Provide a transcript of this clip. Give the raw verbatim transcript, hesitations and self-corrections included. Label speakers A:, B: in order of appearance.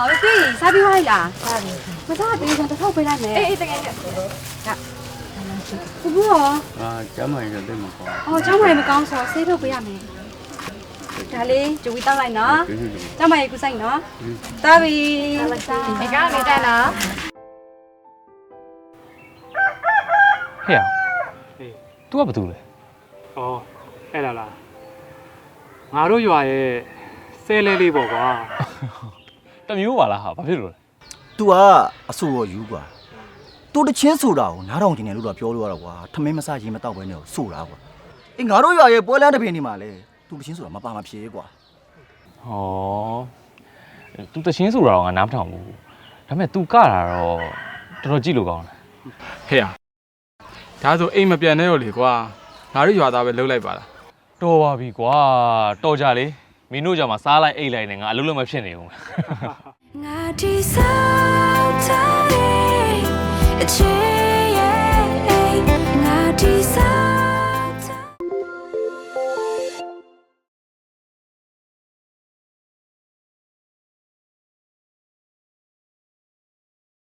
A: ပြီစားပြီးသွားလိုက်လားစားပြီမစားသေးဘူးတစ်ထောက်ပေးလိုက်မယ်အေးအေးတကယ်နဲ့ဟုတ်ဘူးရောအာကျမ်းမာရေးတော့သိမှာပေါ့အော်ကျမ်းမာရေးမကောင်းဆိုဆေးထုတ်ပေးရမယ်ဒါလေးဂျူဝီတောက်လိုက်နော်ကျမ်းမာရေးကူဆိုင်နော်တားပြီစားဒီကောင်နေတက်နော်
B: ဟဲ့။ तू ကဘာတူလဲ
C: ။အော်အဲ့ဒါလား။ငါတို့ရွာရဲ့ဆဲလဲလေးပေါ့ကွာ
B: ။တမျိုးပါလားဟာဘာဖြစ်လို့လဲ။
D: तू ကအဆူရောယူကွာ။ तू တချင်းဆိုတာကိုနားထောင်ကျင်တယ်လို့တော့ပြောလို့ရတော့ကွာ။ထမင်းမစားရင်မတော့ဘဲနဲ့ဆိုတာကွာ။အေးငါတို့ရွာရဲ့ပွဲလန်းတစ်ပင်နေမှာလေ။ तू တချင်းဆိုတာမပါမဖြေကွာ
B: ။ဟော။ तू တချင်းဆိုတာတော့ငါနားမထောင်ဘူး။ဒါပေမဲ့ तू ကတာတော့တော်တော်ကြည့်လို့ကောင်းတယ်
C: ။ဟဲ့။ဒါဆိုအိမ်မပြန်နဲ့ရောလေကွာငါတို့ရွာသားပဲလှုပ်လိုက်ပါလား
B: တော်ပါပြီကွာတော်ကြလေမင်းတို့ကြောင့်မစားလိုက်အိတ်လိုက်နဲ့ငါအလုပ်လုပ်မဖြစ်နေဘူးငါဒီစားတဲ့